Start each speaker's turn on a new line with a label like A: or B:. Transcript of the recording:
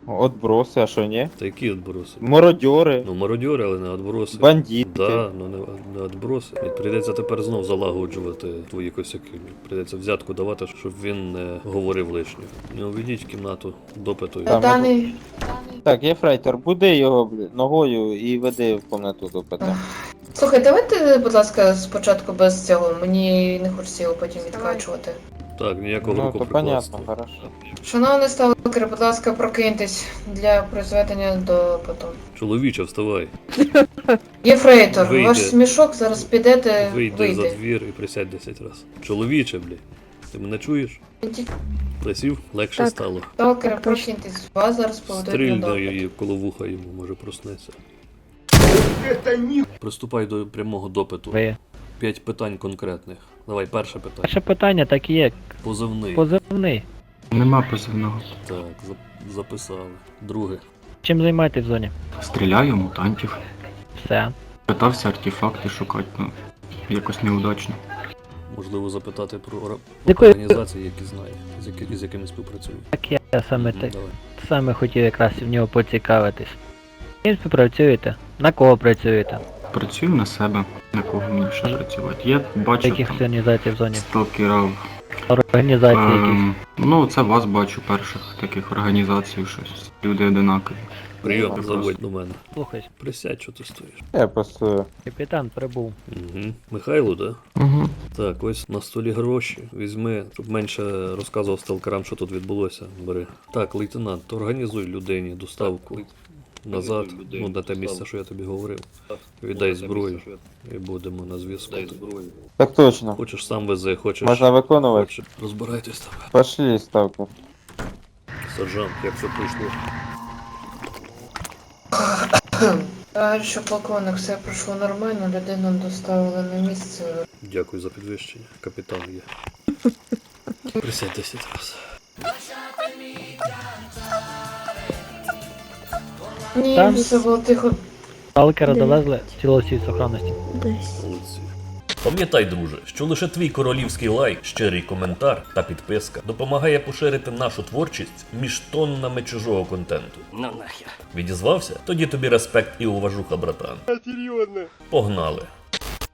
A: Отброси, а що ні?
B: Та які відброси?
A: Мародьори,
B: Ну, мародьори, але не відброси.
A: бандити.
B: Да, ну не відброси. І прийдеться тепер знов залагоджувати твої косяки. Прийдеться взятку давати, щоб він не говорив лишнього. Не уведіть в кімнату допиту.
A: Там
C: Даний.
A: Так, Єфрейтор, буди його ногою і веди в кімнату до ПТ.
C: Слухай, давайте, будь ласка, спочатку без цього. Мені не хочеться його потім відкачувати.
B: Так, ніякого
A: Ну,
B: руку
A: то
B: прикладства.
A: понятно, хорошо.
C: Шановний сталкер, будь ласка, прокиньтесь для призведення до потом.
B: Чоловіче, вставай.
C: Єфрейтор,
B: Вийди.
C: ваш смішок зараз підете,
B: Вийди за двір і присядь 10 разів. Чоловіче, блі. Ти мене чуєш? Присів, легше
D: Так.
B: стало.
C: Сталкери, прокиньтесь. Вас зараз поведуть на
B: Стрільно
C: допит.
B: її коло вуха йому, може проснеться. Приступай до прямого допиту.
D: Ви.
B: 5 питань конкретних. Давай, перше питання.
D: Перше питання так і є.
B: Позивний.
D: Позивний.
E: Нема позивного.
B: Так, записали. Друге.
D: Чим займаєтесь в зоні?
E: Стріляю мутантів.
D: Все.
E: Питався артефакти шукати, ну, якось неудачно.
B: Можливо, запитати про
D: Якої-
B: організації, які знає, з якими співпрацюють.
D: Так я саме
B: Мгм,
D: те.
B: давай.
D: Саме хотів якраз в нього поцікавитись. З ким співпрацюєте? На кого працюєте?
E: Працюю на себе, на кого мені ще працювати. Я
D: В
E: бачу
D: яких
E: там
D: організацій в зоні?
E: сталкерів.
D: Організації якісь.
E: Ну, це вас бачу перших таких організацій, щось. Люди одинакові.
B: Прийом,
E: Ну,
B: заводь до мене.
D: Слухай,
B: Присядь, що ти стоїш.
A: Я просто...
D: капітан прибув.
B: Угу. Михайло, да?
E: Угу.
B: Так, ось на столі гроші. Візьми, щоб менше розказував сталкерам, що тут відбулося. Бери. Так, лейтенант, організуй людині доставку назад, ну на те місце, що я тобі говорив. Віддай зброю і будемо на зв'язку.
A: Так точно.
B: Хочеш сам вези, хочеш.
A: Можна виконувати?
B: Хочеш. Розбирайтесь там.
A: Пошли, ставку.
B: Сержант, як все пройшло?
C: Товаришу полковник, все пройшло нормально, людину доставили на місце.
B: Дякую за підвищення. Капітан є. Присядь 10 разів.
C: Ні,
D: Там-
C: все було тихо.
D: Сталкера
F: Де?
D: довезли в цілості сохранності.
F: Десь.
B: Молодці. Пам'ятай, друже, що лише твій королівський лайк, щирий коментар та підписка допомагає поширити нашу творчість між тоннами чужого контенту. Ну нахер. Відізвався? Тоді тобі респект і уважуха, братан. Серйозно. Погнали.